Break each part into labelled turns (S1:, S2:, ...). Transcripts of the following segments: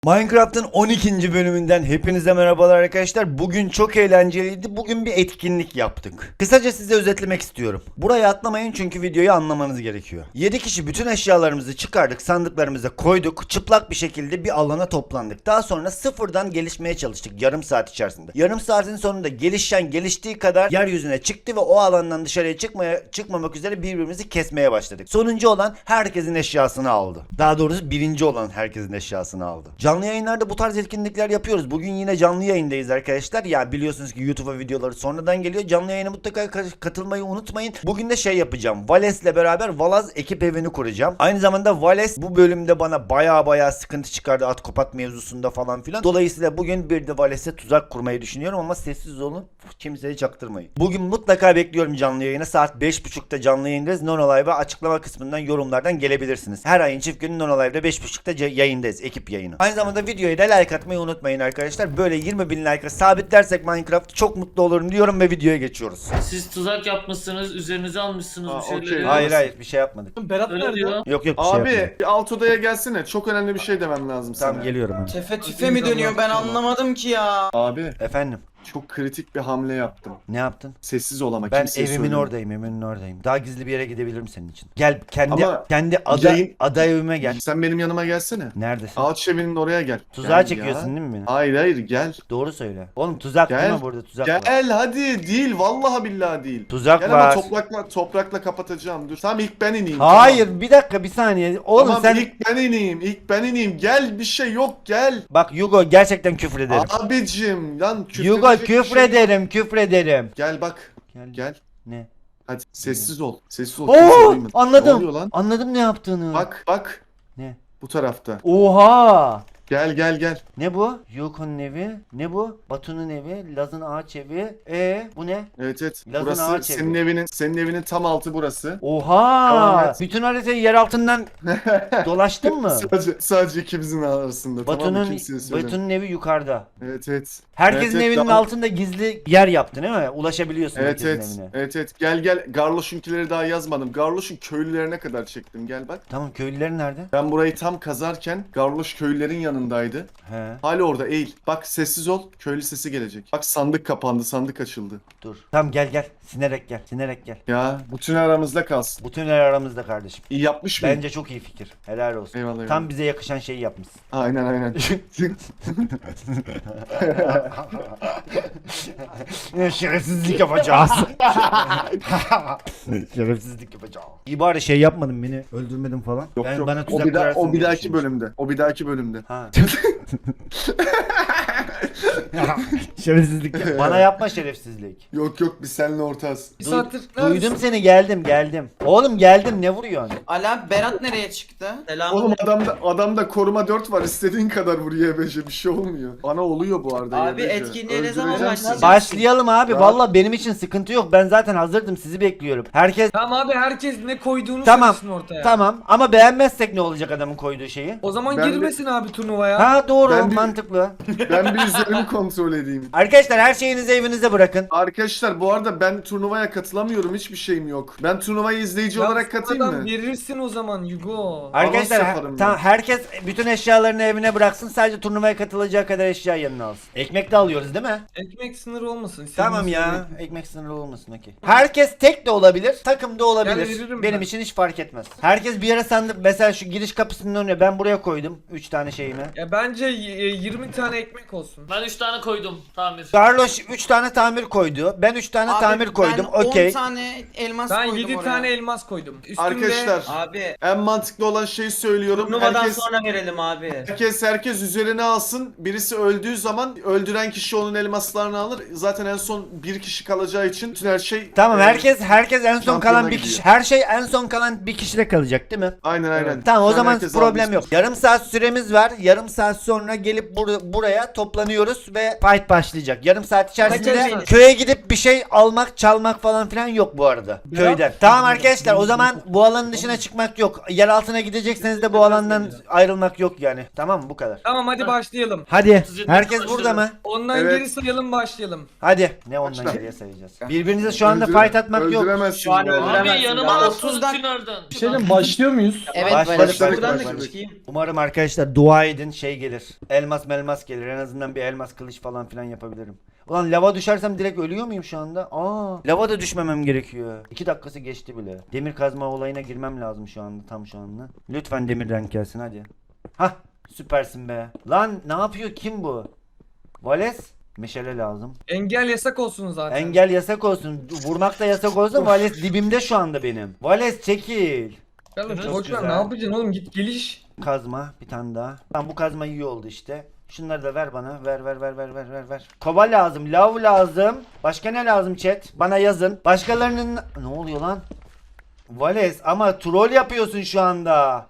S1: Minecraft'ın 12. bölümünden hepinize merhabalar arkadaşlar. Bugün çok eğlenceliydi. Bugün bir etkinlik yaptık. Kısaca size özetlemek istiyorum. Buraya atlamayın çünkü videoyu anlamanız gerekiyor. 7 kişi bütün eşyalarımızı çıkardık, sandıklarımıza koyduk. Çıplak bir şekilde bir alana toplandık. Daha sonra sıfırdan gelişmeye çalıştık yarım saat içerisinde. Yarım saatin sonunda geliştiği kadar yeryüzüne çıktı ve o alandan dışarıya çıkmamak üzere birbirimizi kesmeye başladık. Sonuncu olan herkesin eşyasını aldı. Daha doğrusu birinci olan herkesin eşyasını aldı. Canlı yayınlarda bu tarz etkinlikler yapıyoruz. Bugün yine canlı yayındayız arkadaşlar. Ya biliyorsunuz ki YouTube'a videoları sonradan geliyor. Canlı yayına mutlaka katılmayı unutmayın. Bugün de şey yapacağım. Vales'le beraber Valaz ekip evini kuracağım. Aynı zamanda Vales bu bölümde bana baya sıkıntı çıkardı Atkopat mevzusunda falan filan. Dolayısıyla bugün bir de Vales'e tuzak kurmayı düşünüyorum ama sessiz olun. Kimseye çaktırmayın. Bugün mutlaka bekliyorum canlı yayına. Saat 5.30'da canlı yayındayız. Nonolive'a açıklama kısmından yorumlardan gelebilirsiniz. Her ayın çift günü Nonolive'da 5.30'da yayındayız. Ekip yayını. Aynı zamanda videoya da like atmayı unutmayın arkadaşlar. Böyle 20.000 like'a sabitlersek Minecraft çok mutlu olurum diyorum ve videoya geçiyoruz.
S2: Siz tuzak yapmışsınız, üzerinize almışsınız bir şeyleri.
S3: okey.
S1: Hayır bir şey yapmadık.
S3: Berat
S2: Öyle
S3: nerede?
S2: diyor.
S1: Yok bir şey
S3: Abi
S1: yapmadık.
S3: bir alt odaya gelsene. Çok önemli bir şey demem lazım sana.
S1: Tamam geliyorum hemen.
S4: Tefe tüfe mi dönüyor ben anlamadım ki ya.
S3: Abi
S1: Efendim
S3: çok kritik bir hamle yaptım.
S1: ne yaptın?
S3: Sessiz ol ama
S1: Ben
S3: kimseye
S1: evimin
S3: söyleme.
S1: oradayım, evimin oradayım. Daha gizli bir yere gidebilirim senin için. Gel
S3: Ama
S1: kendi
S3: yayın-
S1: ada evime gel.
S3: Sen benim yanıma gelsene.
S1: Neredesin?
S3: Ağaç evinin oraya gel.
S1: Tuzağa
S3: Gel
S1: çekiyorsun
S3: ya.
S1: değil mi beni?
S3: Hayır gel.
S1: Doğru söyle. Oğlum tuzak değil
S3: Gel.
S1: mi burada tuzak var?
S3: Gel hadi değil vallahi billahi değil.
S1: Tuzak
S3: Gel
S1: var.
S3: ama toprakla kapatacağım. Dur. Tamam ilk ben ineyim.
S1: Hayır
S3: Tamam.
S1: bir dakika bir saniye. Oğlum
S3: Tamam,
S1: sen
S3: ilk ben ineyim. Gel bir şey yok gel.
S1: bak Yugo gerçekten küfür ederim.
S3: Abicim lan
S1: Yugo
S3: küfredecek bir
S1: küfür
S3: şey-
S1: ederim.
S3: Gel bak.
S1: Gel.
S3: Gel.
S1: Ne?
S3: Hadi sessiz ol. Sessiz ol. Kimse
S1: Oo
S3: duymasın. Ne
S1: anladım.
S3: oluyor lan?
S1: Anladım ne yaptığını.
S3: Bak.
S1: Ne?
S3: Bu tarafta.
S1: Oha.
S3: Gel.
S1: Ne bu? Yuko'nun evi. Ne bu? Batu'nun evi. Laz'ın ağaç evi. Bu ne?
S3: Evet.
S1: Laz'ın
S3: Burası
S1: ağaç
S3: senin evinin tam altı burası.
S1: Oha.
S3: Tamam, evet.
S1: Bütün haritayı yer altından dolaştın mı?
S3: Sadece ikimizin arasında. Tamam mı? Kimseye söyleme.
S1: Batu'nun evi yukarıda.
S3: Evet.
S1: Herkesin
S3: Evet,
S1: evinin
S3: daha-
S1: altında gizli yer yaptın değil mi? Ulaşabiliyorsun
S3: Evet.
S1: herkesin evine.
S3: Evet. Gel. Garloş'unkileri daha yazmadım. Garloş'un köylülerine kadar çektim. Gel bak.
S1: Tamam köylüler nerede?
S3: Ben burayı tam kazarken Garloş köylülerin yanındaydı.
S1: He
S3: Hala orada eğil. Bak sessiz ol. Köylü sesi gelecek. Bak sandık kapandı. Sandık açıldı.
S1: dur. Tamam gel. Sinerek gel.
S3: Ya bütün aramızda kalsın.
S1: Bu tünel aramızda kardeşim.
S3: İyi yapmış mıyım?
S1: Bence çok iyi fikir. Helal olsun.
S3: Eyvallah.
S1: Tam bize yakışan şeyi yapmışsın.
S3: Aynen.
S1: Şerefsizlik yapacağız. Şerefsizlik yapacağız. İyi bari şey yapmadın beni. Öldürmedin falan.
S3: Yok.
S1: Bana
S3: O
S1: tuzak
S3: bir,
S1: kurarsın
S3: o bir
S1: diye
S3: dahaki
S1: düşünmüştüm.
S3: bölümde. O bir dahaki bölümde.
S1: Ha. Şerefsizlik. Bana yapma şerefsizlik.
S3: Yok biz seninle ortağız.
S4: Bir saattir
S1: Duydum seni geldim. Oğlum geldim ne vuruyorsun?
S4: Ala Berat nereye çıktı? Selam.
S3: Oğlum adamda koruma 4 var. İstediğin kadar vur YBC bir şey olmuyor. Bana oluyor bu arada
S4: Abi,
S3: YBC.
S4: etkinliğe ne zaman
S3: Öldüreceğim
S4: başlayacağız?
S3: seni.
S1: Başlayalım abi.
S3: Ya.
S1: Valla benim için sıkıntı yok. Ben zaten hazırdım. Sizi bekliyorum. Herkes
S5: Tamam abi herkes ne koyduğunu
S1: Tamam,
S5: söylesin ortaya.
S1: tamam ama beğenmezsek ne olacak adamın koyduğu şeyi?
S5: O zaman
S3: Ben de-
S5: girmesin abi turnuvaya.
S1: Ha doğru
S3: Ben bir-
S1: mantıklı.
S3: Ben bir üzerimi kontrol edeyim.
S1: Arkadaşlar her şeyinizi evinize bırakın.
S3: Arkadaşlar bu arada ben turnuvaya katılamıyorum. Hiçbir şeyim yok. Ben turnuvayı izleyici
S5: Ya
S3: olarak katılayım
S5: sonradan
S3: mı?
S5: verirsin o zaman Yugo.
S1: Arkadaşlar
S3: yaparım
S1: tamam,
S3: ben.
S1: herkes bütün eşyalarını evine bıraksın. Sadece turnuvaya katılacağı kadar eşya yanına alsın. Ekmek de alıyoruz değil mi?
S5: Ekmek sınırı olmasın.
S1: Tamam
S5: istediğiniz
S1: ya.
S5: gibi.
S1: Ekmek sınırı olmasın okey. Herkes tek de olabilir, takım da olabilir.
S5: Yani veririm
S1: Benim
S5: ben.
S1: için hiç fark etmez. Herkes bir yere sandık. Mesela şu giriş kapısının önüne ben buraya koydum 3 tane şeyimi.
S5: Ya bence 20 tane ekmek olsun.
S2: Ben 3 tane koydum tamir.
S1: Carlos 3 tane tamir koydu. Ben 3 tane
S4: Abi,
S1: tamir koydum.
S4: Ben 10
S1: Okey.
S4: tane elmas
S5: Ben
S4: koydum
S5: 7
S4: oraya.
S5: tane elmas koydum. Üstümde
S3: Arkadaşlar
S6: Abi
S3: en mantıklı olan şeyi söylüyorum.
S6: turnuvadan
S3: Herkes
S6: sonra verelim abi.
S3: herkes üzerine alsın. Birisi öldüğü zaman öldüren kişi onun elmaslarını alır. Zaten en son bir kişi kalacağı için bütün her şey
S1: Tamam herkes en son
S3: şampiyona
S1: kalan bir
S3: gidiyor.
S1: kişi. Her şey en son kalan bir kişide kalacak değil mi?
S3: Aynen.
S1: Tamam o
S3: Şu an
S1: zaman
S3: herkes
S1: problem
S3: almış.
S1: yok. Yarım saat süremiz var. Yarım saat sonra gelip buraya toplanıyoruz ve fight başlayacak. Yarım saat içerisinde
S5: Kaçacağız.
S1: köye gidip bir şey almak, çalmak falan filan yok bu arada. Köyden. Tamam arkadaşlar o zaman bu alanın dışına çıkmak yok. Yer altına gidecekseniz de bu alandan ayrılmak yok yani. Tamam mı bu kadar.
S5: Tamam hadi başlayalım.
S1: Hadi.
S2: 37
S1: Herkes
S2: başlayalım.
S1: burada mı?
S5: Ondan
S3: Evet.
S5: geri sayalım başlayalım.
S1: Hadi. Ne ondan
S3: Başla.
S1: geriye sayacağız. Birbirinize şu anda fight atmak yok.
S3: Öldüremezsin
S6: Şu an
S3: bu arada.
S2: Abi
S6: öldüremezsin
S2: yanıma
S6: daha.
S2: alsana
S4: 30'dan
S2: tünelden.
S5: Bir şeyden başlıyor muyuz?
S4: Evet
S1: Başladık,
S4: ben buradan da
S3: başladık.
S4: çıkayım.
S1: Umarım arkadaşlar dua edin şey gelir. gelir. Elmas melmas gelir. En azından bir elmas kılıç falan filan yapabilirim. Ulan lava düşersem direkt ölüyor muyum şu anda? Lava da düşmemem gerekiyor. 2 dakikası geçti bile. Demir kazma olayına girmem lazım şu anda. Tam şu anda. Lütfen demir renk gelsin hadi. Hah süpersin be. Lan ne yapıyor, kim bu? Vales? Meşale lazım.
S5: Engel yasak olsun zaten.
S1: Engel yasak olsun. Vurmak da yasak olsun. Vales dibimde şu anda benim. Vales çekil.
S5: Oğlum,
S2: Çok
S5: boş ver,
S1: güzel.
S5: ne yapacaksın oğlum, git geliş.
S1: Kazma bir tane daha. Tamam bu kazma iyi oldu işte. Şunları da ver bana. Ver. Kova lazım, lav lazım. Başka ne lazım chat? Bana yazın. Başkalarının... Ne oluyor lan? Vales ama troll yapıyorsun şu anda.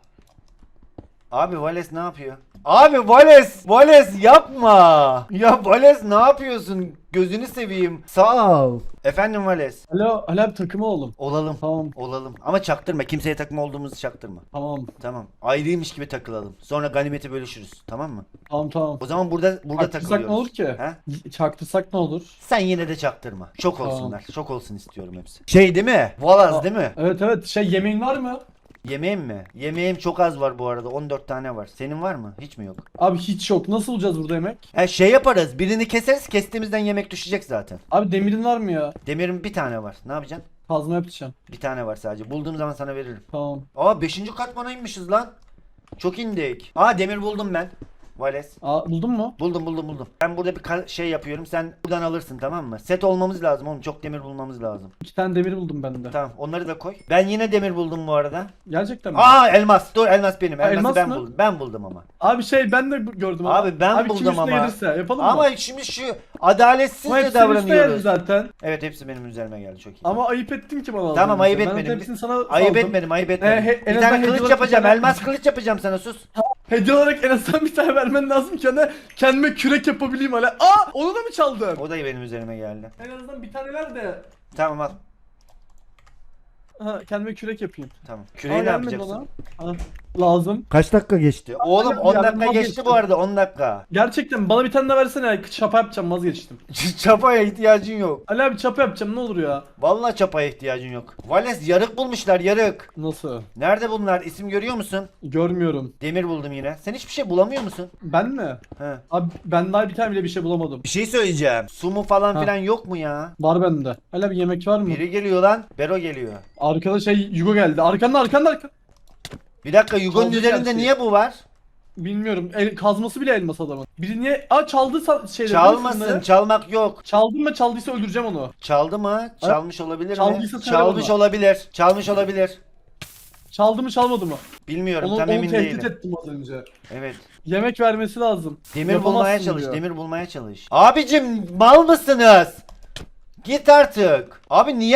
S1: Abi Vales ne yapıyor? Abi Vales yapma. Ya Vales ne yapıyorsun? Gözünü seveyim. Sağ ol. Efendim Vales.
S6: Alo, Ali abi takımı oğlum.
S1: Olalım.
S6: Tamam,
S1: Olalım. Ama çaktırma. Kimseye takma olduğumuzu çaktırma.
S6: tamam,
S1: Tamam. Ayrıymış gibi takılalım. Sonra ganimeti bölüşürüz. Tamam mı?
S6: tamam.
S1: O zaman burada
S6: Çaktırsak
S1: takılıyoruz.
S6: ne olur ki?
S1: He?
S6: Çaktırsak ne olur?
S1: Sen yine de çaktırma. Şok
S6: Tamam.
S1: olsunlar. Şok olsun istiyorum hepsi. Şey değil mi? Valaz
S6: Aa.
S1: değil mi?
S6: Evet, şey yemeğin var mı?
S1: Yemeğim mi? Yemeğim çok az var bu arada. 14 tane var. Senin var mı? Hiç mi yok?
S6: Abi hiç yok. Nasıl bulacağız burada yemek?
S1: Şey yaparız. Birini keseriz. Kestiğimizden yemek düşecek zaten.
S6: Abi demirin var mı ya?
S1: Demirin bir tane var. Ne yapacaksın?
S6: Kazma yapacağım.
S1: Bir tane var sadece. Bulduğum zaman sana veririm.
S6: Tamam.
S1: 5. katmana inmişiz lan. Çok indik. Demir buldum ben. Vales.
S6: Buldun mu?
S1: Buldum. Ben burada bir şey yapıyorum. Sen buradan alırsın, tamam mı? Set olmamız lazım oğlum. Çok demir bulmamız lazım.
S6: 2 tane demir buldum ben de.
S1: Tamam, onları da koy. Ben yine demir buldum bu arada.
S6: Gerçekten mi?
S1: Elmas. Dur, elmas benim. Elması
S6: elmas
S1: ben
S6: mı?
S1: buldum. Ben buldum ama.
S6: Abi şey ben de gördüm ama.
S1: Abi ben
S6: Abi
S1: buldum
S6: kim üstüne
S1: ama.
S6: gelirse yapalım mı?
S1: Ama şimdi şu
S6: Ama
S1: adaletsizce
S6: hepsi senin üstüne geldi
S1: davranıyoruz.
S6: zaten.
S1: Evet, hepsi benim üzerime geldi, çok iyi.
S6: Ama ayıp ettin ki bana az
S1: Tamam,
S6: önce.
S1: ayıp
S6: Ben
S1: etmedim.
S6: hepsini sana
S1: Ayıp
S6: saldım.
S1: etmedim.
S6: en
S1: Bir
S6: azından
S1: tane
S6: hediye
S1: kılıç
S6: olarak
S1: yapacağım.
S6: bir tane-
S1: Elmas kılıç yapacağım sana, sus.
S6: Hediye olarak en azından bir tane vermen lazım ki hani kendime kürek yapabileyim hala. Onu da mı çaldın?
S1: O da benim üzerime geldi.
S6: En azından bir tane ver de.
S1: Tamam al.
S6: Kendime kürek yapayım.
S1: Tamam. Küreği ne
S6: gelmedi
S1: yapacaksın?
S6: bana. Lazım.
S1: Kaç dakika geçti? Oğlum 10
S6: ya,
S1: dakika geçti
S6: vazgeçtim.
S1: bu arada, 10 dakika.
S6: Gerçekten bana bir tane de versene ya. Çapa yapacağım, vazgeçtim.
S1: Çapaya ihtiyacın yok.
S6: Ali abi çapa yapacağım, ne olur ya.
S1: Vallahi çapaya ihtiyacın yok. Vales yarık bulmuşlar, yarık.
S6: Nasıl?
S1: Nerede bunlar? İsim görüyor musun?
S6: Görmüyorum.
S1: Demir buldum yine. Sen hiçbir şey bulamıyor musun?
S6: Ben mi?
S1: He.
S6: Abi ben daha bir tane bile bir şey bulamadım.
S1: Bir şey söyleyeceğim. Su mu falan
S6: Ha.
S1: filan yok mu ya?
S6: Var bende. Ali abi yemek var mı?
S1: Biri geliyor lan. Bero geliyor.
S6: Arkada Yugo geldi. Arkanda.
S1: Bir dakika, Yugo'nun
S6: Çaldı
S1: üzerinde
S6: gerçi.
S1: niye bu var?
S6: Bilmiyorum. Kazması bile elmas adamın. Biri niye? Çaldı şeyleri.
S1: Çalmasın,
S6: şunları.
S1: çalmak yok.
S6: Çaldım mı çaldıysa öldüreceğim onu.
S1: Çaldı mı? Çalmış olabilir mi?
S6: Çaldıysa söyle
S1: Çalmış
S6: bana.
S1: olabilir. Çalmış olabilir.
S6: Çaldı mı çalmadı mı?
S1: Bilmiyorum,
S6: Onu
S1: tam emin
S6: tehdit
S1: değilim.
S6: ettim az önce.
S1: Evet.
S6: Yemek vermesi lazım.
S1: Demir
S6: Yapamazsın
S1: bulmaya çalış,
S6: diyor.
S1: demir bulmaya çalış. Abicim mal mısınız? Git artık. Abi niye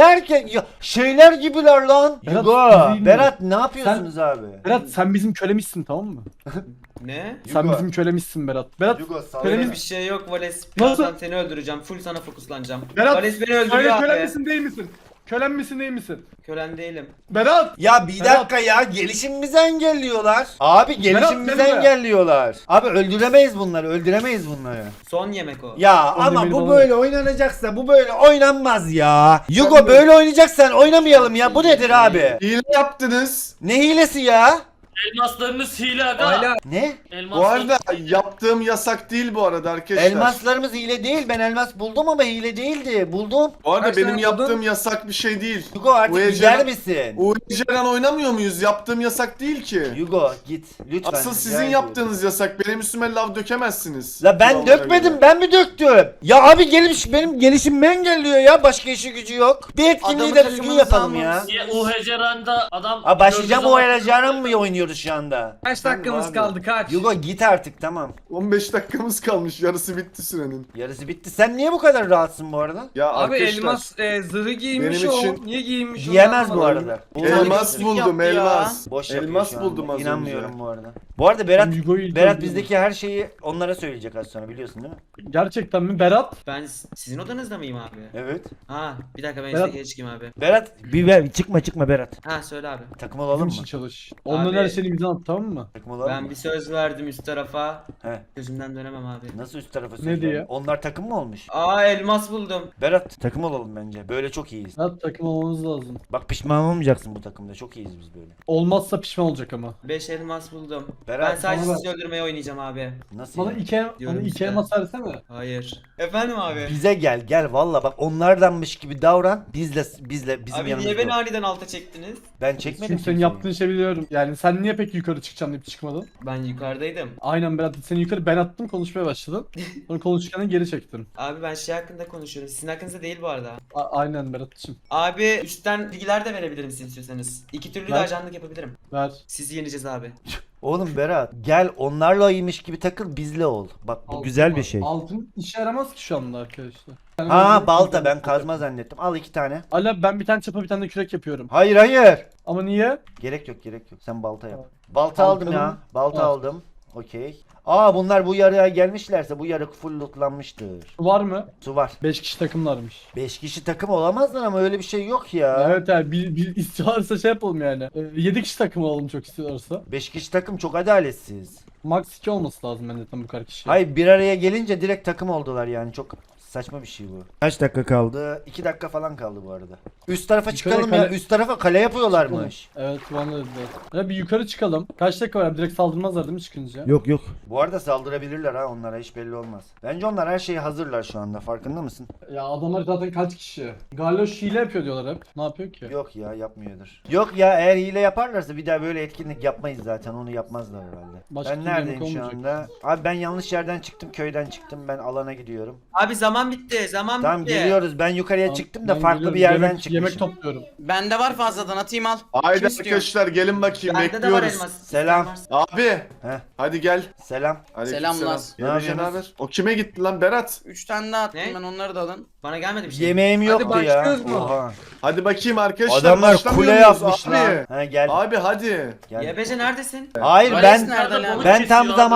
S1: şeyler gibiler lan.
S6: Berat,
S1: Yugo,
S6: izleyeyim
S1: Berat ne yapıyorsunuz abi?
S6: Berat sen bizim kölemizsin, tamam mı?
S4: Ne?
S6: Sen
S1: Yugo.
S6: bizim kölemizsin Berat. Berat
S1: Yugo, sal
S4: Öyle
S1: beni.
S4: bir şey yok Vales.
S6: Nasıl?
S4: Birazdan seni öldüreceğim. Full sana fokuslanacağım.
S6: Berat
S4: Vales beni
S6: söyle,
S4: öldürüyor
S6: kölen
S4: abi.
S6: misin değil misin? Kölen misin değil misin?
S4: Kölen değilim.
S6: Berat!
S1: Ya bir
S6: Berat.
S1: dakika ya, gelişimimizi engelliyorlar. Abi gelişimimizi
S6: Berat,
S1: engelliyorlar. Abi öldüremeyiz bunları.
S4: Son yemek o.
S1: Ya ama
S6: demiri
S1: bu
S6: bana
S1: böyle oynanacaksa bu böyle oynanmaz ya. Yugo
S6: Ben de-
S1: böyle oynayacaksan oynamayalım ya. Bu nedir abi?
S3: Hile yaptınız.
S1: Ne hilesi ya?
S2: Elmaslarınız hile aga.
S5: Hala
S1: Ne?
S3: Bu
S2: Elmaslar...
S3: arada yaptığım yasak değil bu arada arkadaşlar.
S1: Elmaslarımız hile değil. Ben elmas buldum ama hile değildi. Buldum.
S3: Bu arada
S5: Kaç
S3: benim
S5: tane
S3: yaptığım
S5: buldun?
S3: yasak bir şey değil.
S1: Yugo artık
S3: UEC'den
S1: gider misin?
S3: UEC'den oynamıyor muyuz? Yaptığım yasak değil ki.
S1: Yugo git lütfen.
S3: Asıl
S1: rica
S3: sizin
S1: ediyorum.
S3: yaptığınız yasak. Benim üstüme lav dökemezsiniz.
S1: La ben
S3: Kurallara
S1: dökmedim,
S3: göre.
S1: ben mi döktüm? Ya abi benim gelişimimi engelliyor ya. Başka işi gücü yok. Bir etkinliği
S4: Adamı
S1: de düzgün
S4: takımınıza
S1: yapalım ya.
S4: almanız-
S2: Ya, UHC Randa adam...
S1: Abi başlayacağım
S2: gördüğü
S1: o
S2: zaman-
S1: Eracan'a mı oynuyoruz şu anda?
S5: kaç dakikamız
S3: abi.
S5: kaldı, kaç?
S1: Yugo git artık, tamam.
S3: 15 dakikamız kalmış. Yarısı bitti sürenin.
S1: Yarısı bitti. Sen niye bu kadar rahatsın bu arada?
S3: Ya
S5: Abi
S3: arkadaşlar.
S5: elmas zırhı giymiş
S3: benim
S5: o.
S3: için-
S5: Niye giymiş o?
S1: Giyemez bu
S5: Anlamadım.
S1: arada.
S3: Elmas
S4: Yaptı
S3: buldum,
S4: ya.
S3: elmas.
S1: Boş yapıyor
S3: Elmas
S1: şu anda.
S3: buldum az
S1: İnanmıyorum
S3: önce.
S1: bu arada. Bu arada Berat
S6: Yugo'yu
S1: Berat
S6: izliyorum.
S1: bizdeki her şeyi onlara söyleyecek az sonra, biliyorsun değil mi?
S6: Gerçekten mi? Berat?
S4: Ben sizin odanızda mıyım abi?
S1: Evet.
S4: Ha bir dakika ben
S6: Berat-
S4: istekeye çıkayım abi.
S1: Berat çıkma Berat.
S4: Ha söyle abi.
S1: Takım
S6: Bizim
S1: olalım
S6: için
S1: mı?
S6: çalış. Ondan
S4: Abi-
S6: her şeyini bize at, tamam mı?
S1: Takım olalım
S4: Ben
S1: mı?
S4: bir söz verdim üst tarafa.
S1: He.
S4: Gözümden dönemem abi.
S1: Nasıl üst tarafa
S6: Ne
S1: söz
S6: diye?
S1: verdin? Onlar takım mı olmuş?
S4: Aa elmas buldum.
S1: Berat takım olalım bence. Böyle çok iyiyiz.
S6: Berat takım olmamız lazım.
S1: Bak pişman olmayacaksın bu takımda. Çok iyiyiz biz böyle.
S6: Olmazsa pişman olacak ama.
S4: 5 elmas buldum. Ben
S1: Berat
S4: sadece
S6: bana
S4: sizi öldürmeye oynayacağım abi.
S1: nasıl
S6: Bana
S1: ya?
S4: Diyorum
S6: iki
S4: işte.
S6: elmas versene.
S4: Hayır. Efendim abi.
S1: Bize gel valla bak onlardanmış gibi davran. Bizim
S4: Abi
S1: yanımızda.
S4: niye beni
S1: ol.
S4: aniden alta çektiniz?
S1: Ben çekmedim
S6: Çünkü senin
S1: kimseyi.
S6: yaptığın şey biliyorum. Yani sen niye peki yukarı çıkacaksın deyip çıkmadın?
S4: Ben yukarıdaydım.
S6: Aynen Berat, seni yukarı ben attım, konuşmaya başladın. Sonra konuşurken geri çektin.
S4: Abi ben şey hakkında konuşuyorum. Sizin hakkınızda değil bu arada.
S6: Aynen Berat'cığım.
S4: Abi üstten bilgiler de verebilirim siz istiyorsanız. İki türlü de
S6: Ver.
S4: ajanlık yapabilirim.
S6: Ver.
S4: Sizi yeneceğiz abi.
S1: Oğlum Berat gel onlarla iyiymiş gibi takıl bizle ol. Bak bu güzel bir şey.
S6: Altın işe yaramaz ki şu anda arkadaşlar.
S1: Ha balta ben kazma zannettim. Al 2 tane.
S6: Ala ben bir tane çapa bir tane de kürek yapıyorum.
S1: Hayır.
S6: Ama niye?
S1: Gerek yok. Sen balta yap. Balta aldım ya.
S6: Baltanın-
S1: Balta
S6: Al.
S1: aldım. Okey. Aa bunlar bu yarıya gelmişlerse bu yarı full lootlanmıştır.
S6: Var mı?
S1: Su var.
S6: 5 kişi takımlarmış.
S1: 5 kişi takım olamazlar ama öyle bir şey yok ya.
S6: Evet yani bir istiyorlarsa şey yapalım yani. 7 kişi takım olalım çok istiyorlarsa.
S1: 5 kişi takım çok adaletsiz.
S6: Max 2 olması lazım bence tam bu kadar kişi.
S1: Hayır bir araya gelince direkt takım oldular yani çok saçma bir şey bu. Kaç dakika kaldı? 2 dakika falan kaldı bu arada. Üst tarafa
S6: Yukarı
S1: çıkalım ya.
S6: kale-
S1: Üst tarafa kale yapıyorlarmış.
S6: Evet bana da dediler. Ya bir yukarı çıkalım. Kaç dakika var? Direkt saldırmazlar değil mi çıkınca?
S1: Yok. Bu arada saldırabilirler ha onlara hiç belli olmaz. Bence onlar her şeyi hazırlar şu anda farkında mısın?
S6: Ya adamlar zaten kaç kişi? Garloş hile yapıyor diyorlar hep. Ne yapıyor ki?
S1: Yok ya yapmıyordur. Yok ya eğer hile yaparlarsa bir daha böyle etkinlik yapmayız zaten onu yapmazlar herhalde.
S6: Başka
S1: Ben
S6: türlü
S1: neredeyim
S6: yemek
S1: şu
S6: olmayacak.
S1: anda? Abi ben yanlış yerden çıktım köyden çıktım ben alana gidiyorum.
S4: Abi zaman bitti. Zaman
S1: Tamam
S4: bitti.
S1: geliyoruz ben yukarıya
S6: Tamam,
S1: çıktım da
S6: ben
S1: farklı
S6: geliyorum.
S1: bir yerden
S6: yemek,
S1: çıkmışım.
S6: Yemek topluyorum.
S7: Bende var fazladan atayım al.
S3: Haydi
S7: Kim istiyor?
S3: arkadaşlar gelin bakayım
S4: Bende de var
S3: bekliyoruz.
S4: elmas.
S1: Selam.
S4: İsteyen varsa.
S3: Abi
S1: Heh.
S3: hadi gel.
S1: Selam.
S3: Aleykümselam.
S7: Selamlar.
S1: Ne
S3: Yebece
S1: yapıyorsunuz?
S3: haber? O kime gitti lan Berat?
S7: 3 tane daha attım
S4: Ne?
S7: ben, onları da alın.
S4: Bana gelmedi bir şey.
S1: Yemeğim yoktu ya.
S5: başlıyoruz mu?
S1: Oha.
S3: Hadi bakayım arkadaşlar.
S1: Adamlar
S3: başlamıyor
S1: kule
S3: muyuz
S1: yapmışlar.
S3: Abi.
S1: Ha gel.
S3: Abi hadi.
S1: Gel.
S4: YBC neredesin?
S1: Hayır
S7: Vales
S1: ben
S7: nerede lan?
S1: ben tam
S2: Abi.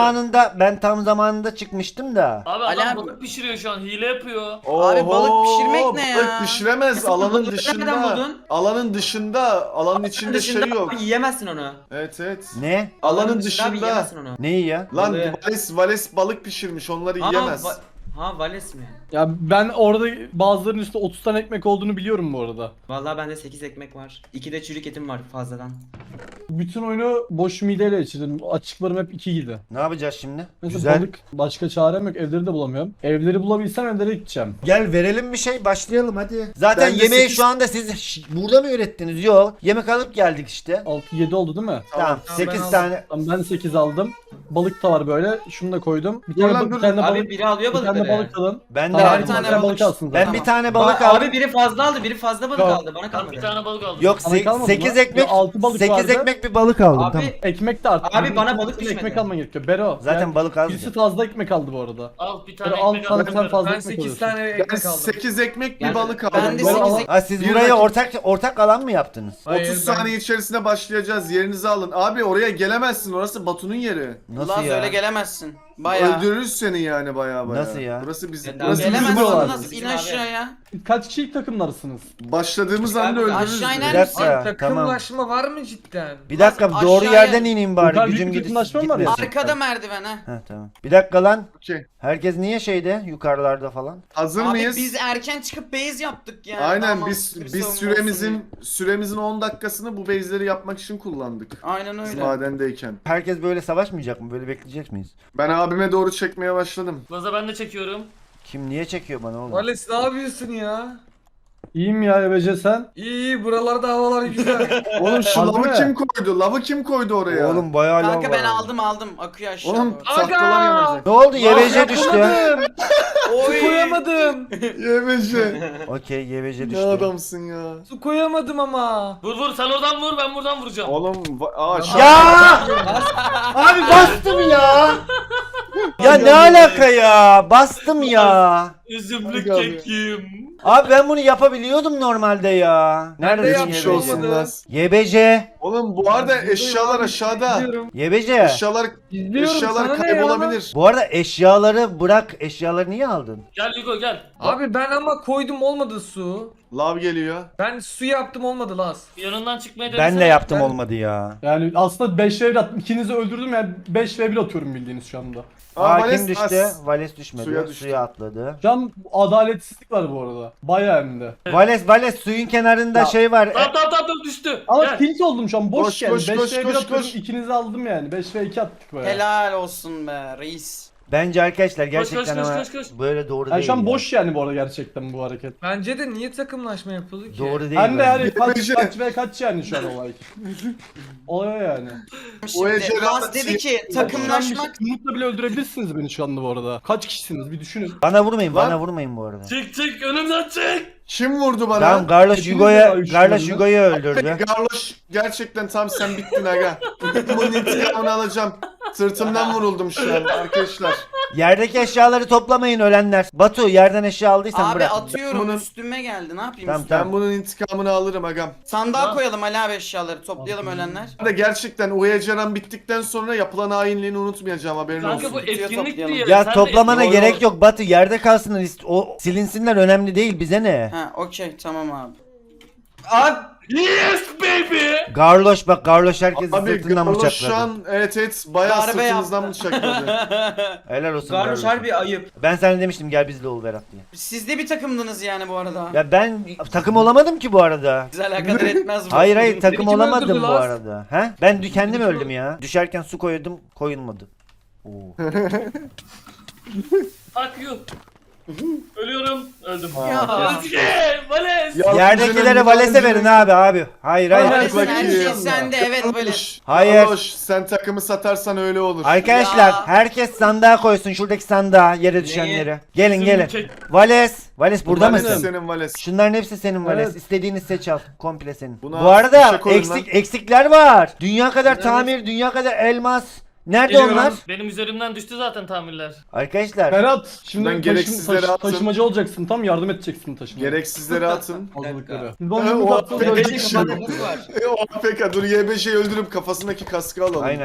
S1: zamanında çıkmıştım da.
S2: Abi
S7: Ali
S2: adam
S7: abi.
S2: balık pişiriyor şu an hile yapıyor.
S7: Abi balık pişirmek ne ya?
S3: Balık pişiremez
S4: Nasıl
S3: alanın
S4: balığı nereden
S3: dışında.
S4: buldun?
S3: Alanın dışında. Alanın içinde şey yok.
S4: Abi yiyemezsin onu.
S3: Evet.
S1: Ne?
S3: Alanın
S4: Abi
S3: dışında.
S4: yiyemezsin onu.
S1: Neyi ya?
S3: Lan
S4: Balığı.
S3: Vales balık pişirmiş onları yiyemez.
S4: Vales mi?
S6: Ya ben orada bazılarının üstünde 30 tane ekmek olduğunu biliyorum bu arada.
S4: Vallahi bende 8 ekmek var. 2 de çürük etim var fazladan.
S6: Bütün oyunu boş mideyle geçirdim. Açıklarım hep 2 gidi.
S1: Ne yapacağız şimdi?
S6: Mesela
S1: Güzel.
S6: balık başka çarem yok. Evleri de bulamıyorum. Evleri bulabilsem evlere gideceğim.
S1: Gel verelim bir şey başlayalım hadi. Zaten
S3: Ben de
S1: yemeği
S3: 8
S1: şu anda siz burada mı ürettiniz? Yok. Yemek alıp geldik işte.
S6: 6-7 oldu değil mi?
S1: Tamam.
S5: Tamam,
S1: 8
S5: ben
S1: tane.
S6: Tamam, ben 8 aldım. Balık da var böyle. Şunu da koydum. Bir
S3: Dur
S6: tane,
S3: lan,
S6: bir
S3: dur.
S6: tane
S4: Abi
S6: balık.
S4: biri alıyor
S6: Bir tane
S4: balıkları.
S6: balık alın.
S1: Ben de
S6: Tamam,
S1: aldım.
S6: bir
S7: tane
S6: tane
S7: balık.
S6: balık alsın
S1: Ben
S6: zaten.
S1: bir tane balık aldım.
S4: Abi biri fazla aldı, biri fazla balık
S6: Yok.
S4: aldı. Bana
S2: Ben
S4: kalmadı.
S2: bir tane balık aldım.
S1: Yok
S6: Sana kalmadı
S1: 8
S6: mı?
S1: ekmek.
S6: Ya, 6 balık
S1: 8
S6: vardı.
S1: ekmek bir balık aldım
S4: Abi
S1: tamam.
S6: Ekmek de arttı.
S4: Abi bana
S6: Birisi
S4: balık
S6: ekmek
S4: düşmedi.
S6: alman gerekiyor. Bero.
S1: Zaten
S6: yani
S1: balık az.
S6: birisi fazla ekmek aldı bu arada.
S2: Al bir
S6: Böyle
S2: tane
S6: al
S2: ekmek
S6: sana
S2: aldım.
S6: sen fazla
S5: Ben
S6: ekmek
S5: 8
S6: alıyorsun.
S5: tane
S3: Ben
S5: ekmek aldım.
S3: 8 ekmek bir
S4: Yani
S3: balık
S7: ben
S3: aldım.
S7: de
S6: Böyle
S7: 8
S6: al-
S1: Ha siz
S3: Bir
S1: buraya
S3: dakika.
S1: ortak alan mı yaptınız?
S5: Hayır,
S3: 30
S5: ben-
S3: saniye içerisinde başlayacağız. Yerinizi alın. Abi oraya gelemezsin. Orası Batu'nun yeri.
S1: Nasıl
S7: Laz
S1: ya?
S7: öyle gelemezsin. Bayağı.
S3: Öldürürüz seni yani baya.
S1: Nasıl ya?
S3: Burası bizim.
S4: Evet,
S3: Burası
S4: abi.
S3: bizim
S7: Gelemezsin
S6: var.
S7: nasıl in
S4: Bizim abi.
S7: aşağıya.
S6: Kaç kişilik takımlarsınız?
S3: Başladığımız
S4: Abi,
S3: anda öldürürüz.
S7: aşağı
S3: bizi.
S7: iner
S1: Bir
S7: misin?
S1: dakika
S5: Abi
S1: tamam.
S5: takımlaşma var mı cidden?
S1: Bir dakika
S7: Aşağıya-
S1: doğru yerden ineyim bari
S6: Yukarı
S1: gücüm
S6: büyük
S1: gidip
S6: yakınlaşma mı var ya?
S1: gitmesin.
S7: Arkada merdiven ha.
S1: Ha tamam. Bir dakika lan.
S3: Okey.
S1: Herkes niye şeyde yukarılarda falan?
S3: Hazır
S7: Abi
S3: mıyız?
S7: biz erken çıkıp base yaptık ya.
S3: Aynen
S7: Daha
S3: biz
S7: mantıklı bir savunma
S3: süremizin 10 dakikasını bu base'leri yapmak için kullandık.
S7: olsun diye. Aynen
S3: Biz
S7: öyle.
S3: madendeyken.
S1: Herkes böyle savaşmayacak mı? Böyle bekleyecek miyiz?
S3: Ben abime doğru çekmeye başladım.
S2: Gaza ben de çekiyorum.
S1: Kim niye çekiyor bana oğlum?
S5: Vales ne yapıyorsun ya?
S6: İyiyim ya Ebece sen.
S5: İyi buralarda havalar güzel.
S3: Oğlum şu
S6: Harbi
S3: lavı
S6: mi?
S3: kim koydu? Lavı kim koydu oraya?
S1: Oğlum bayağı lav
S7: Kanka
S1: var.
S7: ben aldım akıyor aşağı.
S3: Oğlum
S7: doğru.
S3: tahtalar yanacak.
S1: Ne oldu? YBC düştü.
S7: Oy.
S5: Su koyamadım.
S3: Yemece.
S1: Okey YBC
S3: Ne
S1: düştü.
S3: adamsın ya.
S5: Su koyamadım ama.
S2: Vur sen oradan vur ben buradan vuracağım.
S3: Oğlum
S1: Ya! Abi bastım ya. Ya ne alaka ya? Bastım ya.
S2: Üzümlük
S3: Hadi abi.
S2: kekim.
S1: Abi ben bunu yapabiliyordum normalde ya.
S5: Ben de
S1: Neredesin
S3: Geçmiş
S5: yapmış
S1: YBC?
S3: olsun Laz.
S1: YBC.
S3: Oğlum bu arada eşyalar aşağıda.
S5: İzliyorum.
S1: YBC.
S3: Eşyalar
S5: İzliyorum.
S3: eşyalar
S5: Sana ne ya?
S3: kaybolabilir.
S1: Bu arada eşyaları bırak. Eşyaları niye aldın?
S2: Gel Hugo gel.
S5: Abi ben ama koydum olmadı su.
S3: Lav geliyor.
S5: Ben su yaptım olmadı Laz.
S2: Yanından çıkmaya denesene.
S1: Ben de yaptım
S5: Ben-
S1: olmadı ya.
S6: Yani aslında 5 v 1 attım. İkinizi öldürdüm yani 5 v 1 atıyorum bildiğiniz şu anda.
S1: Aa
S3: Vales
S1: kim düştü?
S3: as.
S1: Vales düşmedi.
S3: Suya
S1: Suya,
S3: düştü.
S1: atladı.
S6: Şu an tam adaletsizlik var bu arada. Bayağı hem de.
S1: Vales suyun kenarında
S6: Ya.
S1: şey var.
S2: Tamam düştü.
S6: Ama
S2: Gel.
S6: tilt oldum şu an boş
S3: Koş,
S6: yani.
S3: koş,
S6: 5
S3: koş,
S6: v 1
S3: koş,
S6: atıyorum
S3: koş.
S6: ikinizi aldım yani. 5 v 2 attık böyle.
S7: Helal olsun be reis.
S1: Bence arkadaşlar gerçekten
S2: koş,
S1: ama
S2: koş.
S1: böyle doğru
S6: Yani
S1: değil.
S6: şu an
S1: ya.
S6: boş yani bu arada gerçekten bu hareket.
S5: Bence de niye takımlaşma yapıldı ki?
S1: Doğru değil.
S6: Hem de
S1: bence.
S6: yani kaç
S3: Bence-
S6: kaç ve kaç yani şu an olay. Olay yani.
S7: Şimdi
S3: Ece
S7: Laz dedi ki takımlaşmak.
S6: Umut'la bile öldürebilirsiniz beni şu anda bu arada. Kaç kişisiniz bir düşünün.
S1: Bana vurmayın,
S3: Lan.
S1: bana vurmayın bu arada.
S2: Çık önümden çık.
S3: Kim vurdu bana?
S1: Tamam, Carlos
S6: Hepiniz
S1: Hugo'ya
S6: de uyuştunuz
S1: öldürdü.
S3: Garloş gerçekten tam sen bittin aga. Bunun intikamını alacağım. Sırtımdan vuruldum şu an arkadaşlar.
S1: Yerdeki eşyaları toplamayın ölenler. Batu yerden eşya aldıysan
S7: Abi
S1: bırak.
S7: atıyorum
S3: Bunun-
S7: üstüme geldi ne yapayım?
S1: Tamam,
S3: Ben bunun intikamını alırım agam.
S7: Sandığa
S2: Tamam.
S7: koyalım Ali abi eşyaları toplayalım ölenler.
S3: Ben de gerçekten Uyecaran bittikten sonra yapılan hainliğini unutmayacağım haberin
S2: Kanka
S3: olsun.
S2: bu etkinlik
S7: toplayalım.
S2: diye.
S1: Ya
S2: sen de
S1: toplamana
S3: Yo, yo.
S1: gerek yok Batu, yerde kalsın, o silinsinler, önemli değil, bize ne?
S7: Ha okey tamam abi.
S4: Abi
S2: Yes baby.
S1: Garloş bak, Garloş herkesi
S3: Abi
S1: sırtından
S3: Garloş
S1: bıçakladı.
S3: şu an evet bayağı
S7: Darbe
S3: sırtınızdan
S7: yaptı.
S3: bıçakladı.
S1: Helal olsun
S4: Garloş
S1: Garloş'a.
S4: harbi ayıp.
S1: Ben sana demiştim gel bizle ol Berat diye.
S7: Siz de bir takımdınız yani bu arada.
S1: Ya ben takım olamadım ki bu arada.
S7: Bize alakadar etmez bu.
S1: Hayır takım
S5: kim
S1: olamadım
S5: öldürdü
S1: bu
S5: lan?
S1: arada. He? Ben kendim
S5: kim
S1: öldüm ya. Düşerken su koydum, koyulmadı. Oo.
S2: Fuck you. Ölüyorum. Öldüm.
S7: Ya.
S2: Özge. Vales.
S3: Ya,
S1: Yerdekilere
S3: güzelim,
S1: Vales'e verin
S3: güzelim.
S1: abi. Hayır.
S3: Hayır,
S7: Vales, her
S3: bakayım.
S7: şey sende evet böyle.
S3: Garloş,
S1: Hayır.
S3: Garloş, sen takımı satarsan öyle olur.
S1: Arkadaşlar
S7: Ya.
S1: herkes sandığa koysun, şuradaki sandığa, yere düşenleri. Gelin gelin. Vales burada
S3: Vales
S1: mısın?
S3: Senin Vales.
S1: Şunların hepsi senin Vales.
S6: Evet.
S1: İstediğini seç al. Komple senin.
S3: Buna
S1: Bu arada
S3: fişe koyun
S1: eksikler var. Dünya kadar tamir, dünya kadar elmas. Nerede
S5: Geliyorum.
S1: onlar?
S2: Benim üzerimden düştü zaten tamirler.
S1: Arkadaşlar
S6: Berat şimdi
S3: Şuradan gereksizleri atın.
S6: taşımacı olacaksın tam yardım edeceksin taşımaya.
S3: Gereksizleri atın.
S6: Fazlalıkları.
S3: O
S6: Bana bunu atsanız
S3: AFK
S6: ölecek
S3: kişi.
S6: ama-
S3: O AFK dur YBJ'yi öldürüp kafasındaki kaskı alalım.
S1: aynen.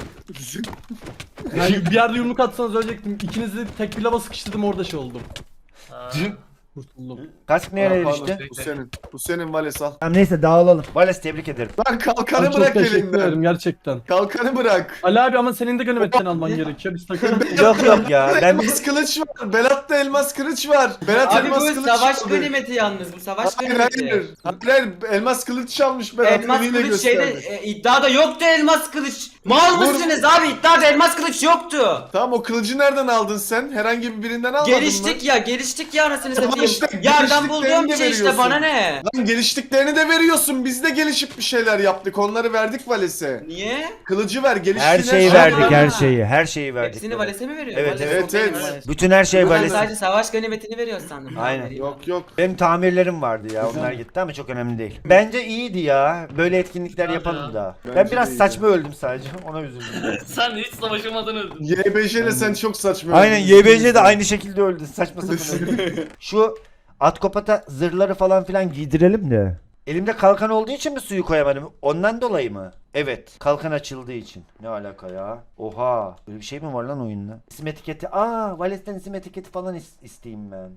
S6: Yani bir yerde yumruk atsanız ölecektim. İkinizi tek bir lava sıkıştırdım orada şey oldum.
S2: Ha.
S6: Kurtuldum.
S1: Kask
S3: Aa,
S1: nereye
S3: pardon,
S1: düştü?
S3: Bu senin. Bu senin Vales al.
S1: Tamam neyse dağılalım. Vales tebrik ederim.
S3: Lan kalkanı
S6: Ay, çok
S3: bırak
S6: teşekkür
S3: elinden.
S6: ederim gerçekten.
S3: Kalkanı bırak.
S6: Ali abi ama senin de ganimetten alman gerekiyor. Biz takım.
S1: Yok ya ben
S3: Elmas kılıç var. Berat'ta elmas kılıç var. Berat
S4: Abi
S3: elmas
S4: bu
S3: kılıç
S4: savaş
S3: çaldı.
S4: ganimeti yalnız bu savaş
S3: Hayır
S4: ganimeti.
S3: hayır. Hayır elmas kılıç çalmış Berat.
S4: Elmas
S3: eliyle
S4: kılıç şeyde
S3: gösterdi.
S4: iddiada yoktu elmas kılıç. Mal
S3: Vur.
S4: mısınız abi iddiada elmas kılıç yoktu.
S3: Tamam o kılıcı nereden aldın sen? Herhangi bir birinden almadın mı?
S4: Geliştik ya anasını
S3: Tamam
S4: satayım.
S3: işte,
S4: Yerden
S3: geliştiklerini
S4: bulduğum
S3: de
S4: şey işte
S3: veriyorsun.
S4: bana ne?
S3: Lan geliştiklerini de veriyorsun. Biz de gelişip bir şeyler yaptık. Onları verdik Vales'e.
S4: Niye?
S3: Kılıcı ver. Geliştiğin
S1: her şeyi
S4: şey
S1: verdik,
S4: var.
S1: her şeyi. Her şeyi verdik.
S4: Hepsini Vales'e mi veriyor?
S1: Evet,
S4: Vales
S3: evet,
S4: o benim,
S3: evet.
S4: Vales.
S1: Bütün her şey
S4: Ben
S1: Vales.
S4: sadece savaş ganimetini veriyor sandım.
S1: Aynen.
S3: Yok yok.
S1: Benim tamirlerim vardı ya, onlar gitti ama çok önemli değil. Bence iyiydi ya. Böyle etkinlikler
S2: Bence
S1: yapalım
S2: ya.
S1: daha. Ben
S3: Bence
S1: biraz
S3: de iyiydi.
S1: saçma öldüm sadece. Ona üzüldüm.
S2: Sen hiç savaşamadan öldün.
S3: YBJ ile sen çok saçma.
S1: Aynen,
S3: öldün.
S1: YBC de aynı şekilde öldü. Saçma sapan öldü. Şu Atkopat'a zırhları falan filan giydirelim de. Elimde kalkan olduğu için mi suyu koyamadım? Ondan dolayı mı? Evet. Kalkan açıldığı için. Ne alaka ya? Oha. Böyle bir şey mi var lan oyunda? İsim etiketi. Vales'ten isim etiketi falan isteyeyim ben.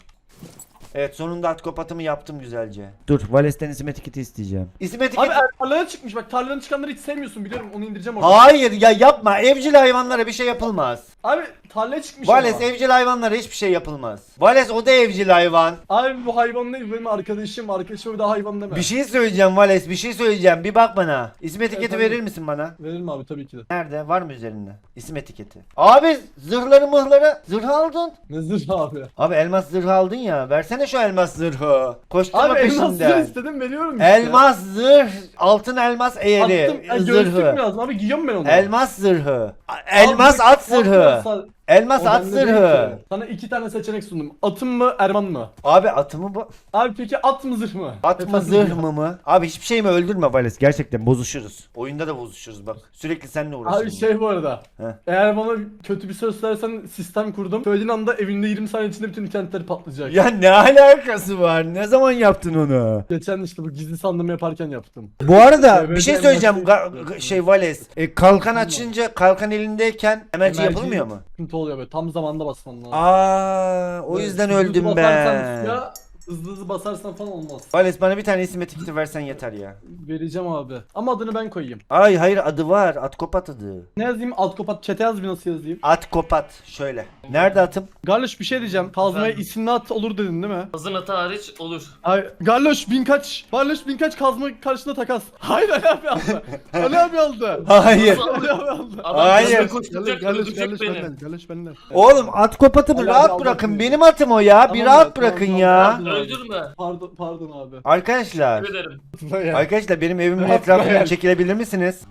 S1: Evet, sonunda Atkopat'ımı yaptım güzelce. Dur, Vales'ten isim etiketi isteyeceğim. İsim etiketi...
S6: Abi tarlaya çıkmış bak tarladan çıkanları hiç sevmiyorsun biliyorum onu indireceğim orada.
S1: Hayır ya, yapma. Evcil hayvanlara bir şey yapılmaz.
S6: Abi tarlaya çıkmış
S1: Vales
S6: ama.
S1: evcil hayvanlara hiçbir şey yapılmaz. Vales o da evcil hayvan.
S6: Abi bu hayvan değil benim arkadaşım bir daha hayvan deme.
S1: Bir şey söyleyeceğim Vales, bir şey söyleyeceğim. Bir bak bana. İsim etiketi
S6: tabii.
S1: verir misin bana?
S6: Veririm abi tabii ki de.
S1: Nerede? Var mı üzerinde? İsim etiketi. Abi zırhları mıhları. Zırh aldın.
S6: Ne zırh abi.
S1: Abi elmas zırhı aldın ya. Versene şu elmas zırhı. Koşturma
S6: Abi elmas zırh
S1: peşinden.
S6: istedim veriyorum işte.
S1: Elmas zırh. Altın elmas eğeri.
S6: Attım. Göğüslük mü
S1: Zırhı.
S6: lazım abi giyiyorum ben onu.
S1: Elmas zırhı. Elmas
S6: Abi,
S1: at zırhı.
S6: o
S1: Elmas at
S6: bende değil
S1: zırhı.
S6: ki. Sana 2 tane seçenek sundum. Atım mı Erman mı?
S1: Abi atımı bu.
S6: Abi peki at mı zırh mı?
S1: At mı
S6: Efendim
S1: zırh
S6: ya.
S1: mı? Abi hiçbir şeyimi öldürme Vales. Gerçekten bozuşuruz. Oyunda da bozuşuruz bak. Sürekli seninle uğraşıyorum.
S6: Abi şey bu arada.
S1: Heh.
S6: Eğer bana kötü bir söz söylersen sistem kurdum. Söylediğin anda evinde 20 saniye içinde bütün internetler patlayacak.
S1: Ya ne alakası var? Ne zaman yaptın onu?
S6: Geçen işte bu gizli sandığımı yaparken yaptım.
S1: Bu arada
S6: Evet,
S1: bir şey
S6: evet,
S1: söyleyeceğim.
S6: evet.
S1: Şey Vales. Kalkan açınca kalkan elindeyken emerci yapılmıyor mu?
S6: Sıkıntı oluyor böyle tam zamanda basman lazım.
S1: O yüzden
S6: Hızlı
S1: öldüm
S6: basarsan
S1: ben.
S6: suya, hızlı hızlı basarsan falan olmaz.
S1: Vales bana bir tane isim etiketi versen yeter ya.
S6: Vereceğim abi. Ama adını ben koyayım.
S1: Ay hayır adı var. At kopat adı.
S6: Ne yazayım? Alt kapat. Chat'e yaz bir nasıl yazayım?
S1: At kopat. Şöyle. Nerede atım?
S6: Garloş bir şey diyeceğim. Kazmaya
S2: Efendim?
S6: isimli at olur dedin değil mi?
S2: Hazın atı hariç olur.
S6: Ay Garloş bin kaç kazma karşısında takas. Hayır Ali abi aldı. Ali abi aldı.
S1: Hayır.
S2: Nasıl
S6: Ali
S2: alır?
S6: abi aldı.
S2: Adam
S1: Hayır.
S2: hızlı koşturacak, öldürecek beni.
S6: Garloş benden.
S1: Oğlum at kopatımı
S6: Ali
S1: rahat
S6: abi
S1: bırakın.
S6: aldatmıyor.
S1: Benim atım o ya. Bir
S6: Tamam
S1: rahat
S6: ya,
S1: bırakın
S6: tamam,
S1: ya.
S6: tamam.
S2: Öldürme.
S6: Pardon abi.
S1: Arkadaşlar.
S2: Teşekkür ederim.
S1: Arkadaşlar benim evimin
S6: Rahat
S1: etrafından
S6: bırak.
S1: çekilebilir misiniz?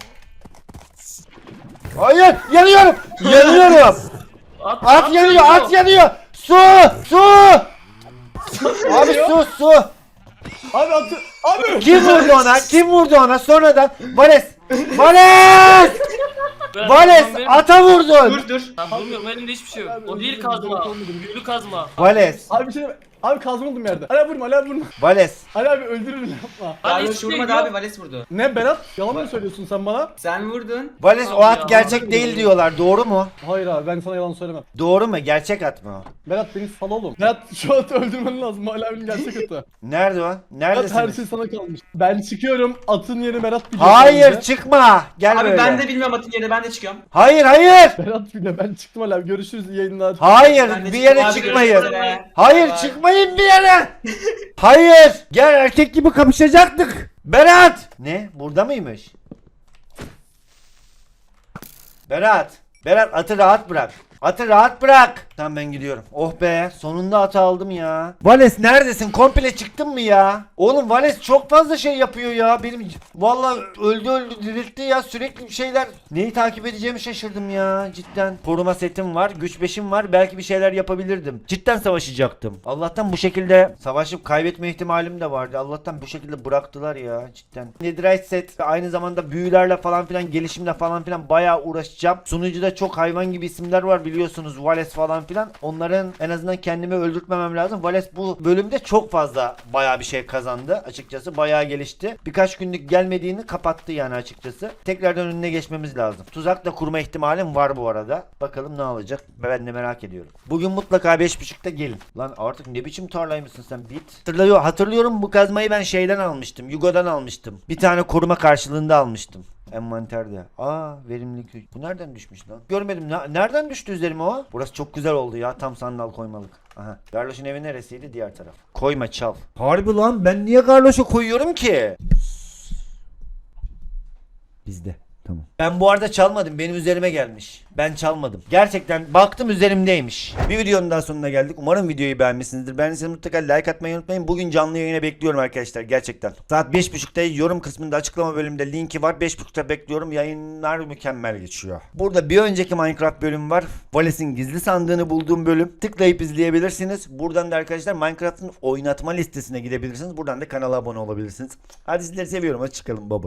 S1: Hayır yanıyorum. Yanıyorum. At yanıyor. At yanıyor. Su. Su. Abi su.
S6: Abi atı. Abi.
S1: Kim vurdu ona? Kim vurdu ona? Sonradan Vales. Vales. Vales ata vurdun.
S4: Dur.
S2: Ben vurmuyorum, elimde hiçbir şey yok.
S6: Abi,
S2: O değil
S6: özür
S2: kazma.
S6: dilerim.
S2: Büyülü kazma.
S1: Vales.
S6: Abi bir şey deme. Abi kazma oldum yerde. Ali abi vurma, Ali abi vurma.
S1: Vales.
S6: Ali abi öldürürüm yapma.
S2: Hadi
S4: Garloş
S2: hiçbir şey
S4: vurmadı
S2: yok.
S4: abi, Vales vurdu.
S6: Ne Berat? Yalan mı söylüyorsun sen bana?
S4: Sen vurdun.
S1: Vales o
S2: Abi
S1: at
S2: ya.
S1: gerçek değil diyorlar. Doğru mu?
S6: Hayır abi ben sana yalan söylemem.
S1: Doğru mu? Gerçek at mı o?
S6: Berat beni sal oğlum. Berat şu atı öldürmen lazım. Ali abinin gerçek atı.
S1: Nerede o?
S6: Berat her
S1: Neredesiniz?
S6: şey sana kalmış. Ben çıkıyorum. Atın yeri Berat biliyor.
S1: Hayır
S6: bence.
S1: çıkma. Gel
S4: Abi
S1: böyle.
S4: ben de bilmiyorum atın yerini, ben de çıkıyorum.
S1: Hayır hayır.
S6: Berat bile ben çıktım Ali abi. Görüşürüz iyi yayınlar.
S1: Hayır
S4: Ben de
S1: bir yere
S4: çıktım abi,
S1: çıkmayın.
S4: görüşmek üzere.
S1: Hayır
S4: Bye.
S1: çıkmayın bir yere. Hayır. Gel erkek gibi kapışacaktık. Berat. Ne? Burada mıymış? Berat. Berat atı rahat bırak. Atı rahat bırak. Tamam ben gidiyorum. Oh be sonunda atı aldım ya. Vales neredesin? Komple çıktın mı ya? Oğlum Vales çok fazla şey yapıyor ya. Benim vallahi öldü diriltti ya. Sürekli bir şeyler. Neyi takip edeceğimi şaşırdım ya. Cidden. Koruma setim var. Güç 5'im var. Belki bir şeyler yapabilirdim. Cidden savaşacaktım. Allah'tan bu şekilde savaşıp kaybetme ihtimalim de vardı. Allah'tan bu şekilde bıraktılar ya. Cidden. Netherite set aynı zamanda büyülerle falan filan gelişimle falan filan bayağı uğraşacağım. Sunucuda çok hayvan gibi isimler var biliyorsunuz. Vales falan filan. Onların en azından kendimi öldürtmemem lazım. Vales bu bölümde çok fazla bayağı bir şey kazandı. Açıkçası bayağı gelişti. Birkaç günlük gelmediğini kapattı yani açıkçası. Tekrardan önüne geçmemiz lazım. Tuzak da kurma ihtimalim var bu arada. Bakalım ne olacak. Ben de merak ediyorum. Bugün mutlaka 5.30'da gelin. Lan artık ne biçim tarlaymışsın sen bit. Hatırlıyorum bu kazmayı ben şeyden almıştım. Yugo'dan almıştım. Bir tane koruma karşılığında almıştım. Envanterde. Verimlilik. Bu nereden düşmüş lan? Görmedim. Nereden düştü üzerime o? Burası çok güzel oldu ya. Tam sandal koymalık. Aha. Garloş'un evi neresiydi? Diğer taraf. Koyma çal. Harbi lan ben niye Garloş'a koyuyorum ki? Bizde. Tamam. Ben bu arada çalmadım. Benim üzerime gelmiş. Ben çalmadım. Gerçekten baktım üzerimdeymiş. Bir videonun daha sonuna geldik. Umarım videoyu beğenmişsinizdir. Beğendiyseniz mutlaka like atmayı unutmayın. Bugün canlı yayına bekliyorum arkadaşlar. Gerçekten. Saat 5.30'da yorum kısmında açıklama bölümünde linki var. 5.30'da bekliyorum. Yayınlar mükemmel geçiyor. Burada bir önceki Minecraft bölümü var. Vales'in gizli sandığını bulduğum bölüm. Tıklayıp izleyebilirsiniz. Buradan da arkadaşlar Minecraft'ın oynatma listesine gidebilirsiniz. Buradan da kanala abone olabilirsiniz. Hadi sizleri seviyorum. Hadi çıkalım baba.